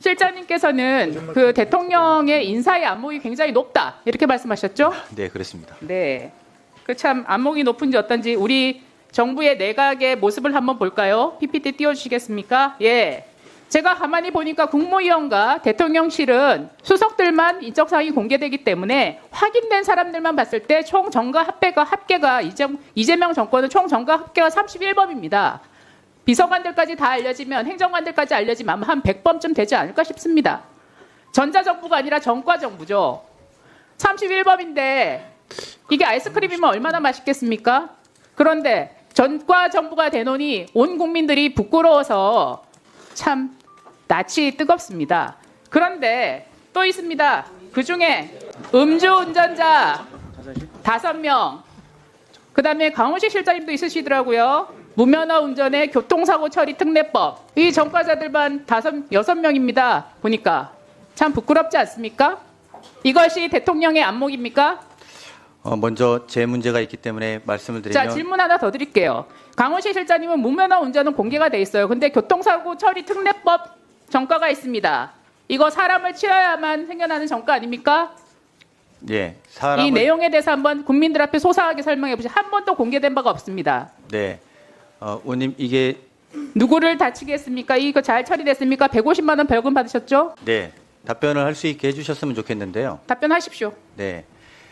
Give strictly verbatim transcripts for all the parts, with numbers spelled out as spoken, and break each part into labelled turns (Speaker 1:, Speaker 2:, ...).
Speaker 1: 실장님께서는 그 대통령의 인사의 안목이 굉장히 높다 이렇게 말씀하셨죠?
Speaker 2: 네, 그렇습니다.
Speaker 1: 네. 그 참 안목이 높은지 어떤지 우리 정부의 내각의 모습을 한번 볼까요? 피피티 띄워주시겠습니까? 예. 제가 가만히 보니까 국무위원과 대통령실은 수석들만 인적사항이 공개되기 때문에 확인된 사람들만 봤을 때 총 정가 합계가 합계가 이재명 정권은 총 정가 합계가 삼십일 범입니다. 비서관들까지 다 알려지면 행정관들까지 알려지면 아마 한 백 범쯤 되지 않을까 싶습니다. 전자정부가 아니라 전과정부죠. 삼십일 범인데 이게 아이스크림이면 얼마나 맛있겠습니까? 그런데 전과정부가 되노니 온 국민들이 부끄러워서 참 낯이 뜨겁습니다. 그런데 또 있습니다. 그중에 음주운전자 다섯 명, 그 다음에 강훈식 실장님도 있으시더라고요. 무면허 운전의 교통사고 처리 특례법. 이 전과자들만 다섯, 여섯 명입니다. 보니까 참 부끄럽지 않습니까? 이것이 대통령의 안목입니까?
Speaker 2: 어, 먼저 제 문제가 있기 때문에 말씀을 드리면
Speaker 1: 자, 질문 하나 더 드릴게요. 강훈식 실장님은 무면허 운전은 공개가 돼 있어요. 근데 교통사고 처리 특례법 전과가 있습니다. 이거 사람을 치러야만 생겨나는 전과 아닙니까?
Speaker 2: 예, 사람을
Speaker 1: 이 내용에 대해서 한번 국민들 앞에 소상하게 설명해 보시죠. 한 번도 공개된 바가 없습니다.
Speaker 2: 네, 어, 의원님 이게
Speaker 1: 누구를 다치게 했습니까? 이거 잘 처리됐습니까? 백오십만 원 벌금 받으셨죠?
Speaker 2: 네 답변을 할 수 있게 해주셨으면 좋겠는데요.
Speaker 1: 답변하십시오.
Speaker 2: 네,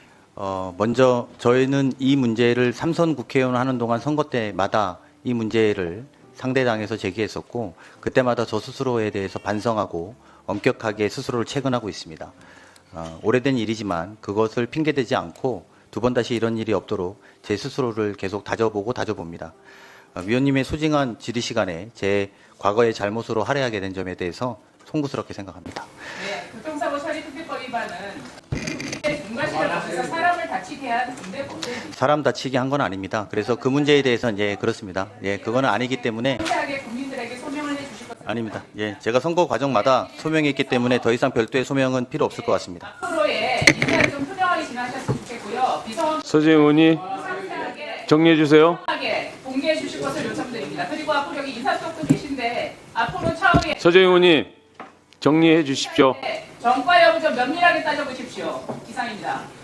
Speaker 2: 어, 먼저 저희는 이 문제를 삼선 국회의원 하는 동안 선거 때마다 이 문제를 상대당에서 제기했었고 그때마다 저 스스로에 대해서 반성하고 엄격하게 스스로를 체근하고 있습니다. 어, 오래된 일이지만 그것을 핑계대지 않고 두 번 다시 이런 일이 없도록 제 스스로를 계속 다져보고 다져봅니다. 어, 위원님의 소중한 질의 시간에 제 과거의 잘못으로 할애하게 된 점에 대해서 송구스럽게 생각합니다.
Speaker 1: 네, 교통사고 처리 특례법 위반은 중과실을 통해서 사람을 다치게 한 군대법을
Speaker 2: 사람 다치게 한 건 아닙니다. 그래서 그 문제에 대해서는 예 그렇습니다. 예 그거는 아니기 때문에
Speaker 1: 상세하게 국민들에게 소명을 해주실 것 같습니다.
Speaker 2: 아닙니다. 예 제가 선거 과정마다 소명했기 때문에 더 이상 별도의 소명은 필요 없을 것 같습니다.
Speaker 1: 앞으로의 인사를 좀 투명하게 진행하셨으면 좋겠고요. 비서원
Speaker 3: 서재 의원이
Speaker 1: 상세하게
Speaker 3: 정리해 주세요.
Speaker 1: 투명하게 공개해 주실 것을 요청드립니다. 그리고 앞으로 여기 인사쪽도 계신데 앞으로 차후에
Speaker 3: 서재 의원이 정리해 주십시오.
Speaker 1: 전과 여부 좀 면밀하게 따져보십시오. 이상입니다.